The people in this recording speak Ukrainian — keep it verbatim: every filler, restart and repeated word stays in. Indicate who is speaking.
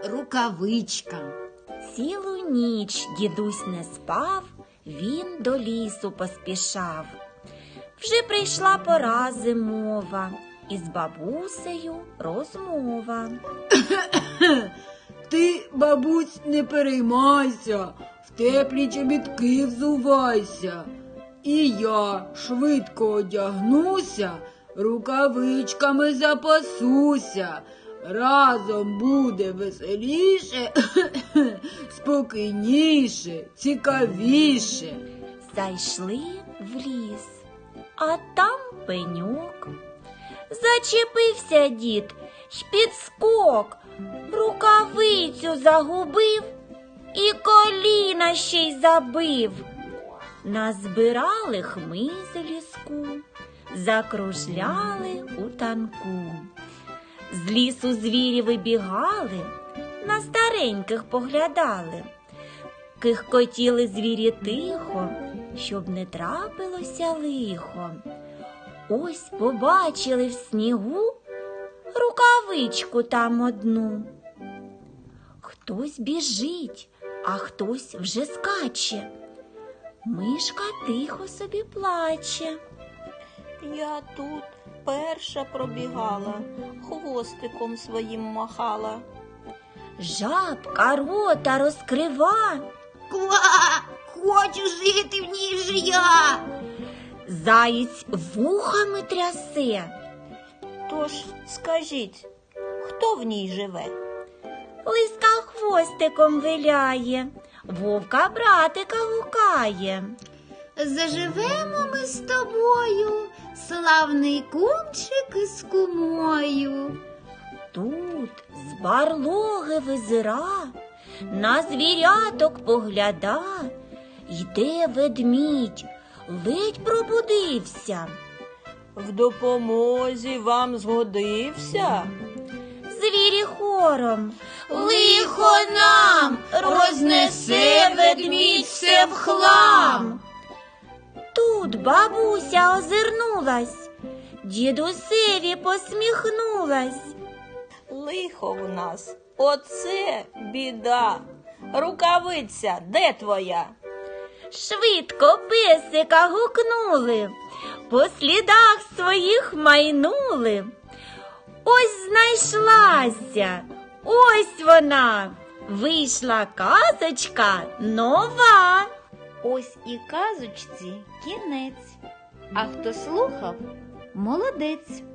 Speaker 1: рукавичка.
Speaker 2: Цілу ніч дідусь не спав, він до лісу поспішав. Вже прийшла пора зимова, і з бабусею розмова.
Speaker 1: Ти, бабусь, не переймайся, в теплі чобітки взувайся. І я швидко одягнуся, рукавичками запасуся. Разом буде веселіше, спокійніше, цікавіше.
Speaker 2: Зайшли в ліс, а там пеньок. Зачепився дід й підскок, рукавицю загубив і коліна ще й забив. Назбирали хмиз ліску, закружляли у танку. З лісу звірі вибігали, на стареньких поглядали. Кихкотіли звірі тихо, щоб не трапилося лихо. Ось побачили в снігу рукавичку там одну. Хтось біжить, а хтось вже скаче. Мишка тихо собі плаче.
Speaker 3: Я тут перша пробігала, хвостиком своїм махала.
Speaker 2: Жабка рота розкрива.
Speaker 1: Ква! Хочу жити в ній же я!
Speaker 2: Заєць вухами трясе.
Speaker 3: Тож скажіть, хто в ній живе?
Speaker 2: Лиска хвостиком виляє, вовка братика гукає.
Speaker 1: Заживемо ми з тобою, славний кумчик із кумою.
Speaker 2: Тут з барлоги визира, на звіряток погляда. Йде ведмідь, ледь пробудився.
Speaker 3: В допомозі вам згодився?
Speaker 2: Звірі хором: лихо нам, рознесе ведмідь все в хлам. Тут бабуся озирнулась, дідусеві посміхнулась.
Speaker 3: Лихо в нас, оце біда. Рукавиця, де твоя?
Speaker 2: Швидко песика гукнули, по слідах своїх майнули. Ось знайшлася, ось вона, вийшла казочка нова.
Speaker 4: Ось і казочці кінець, а хто слухав – молодець.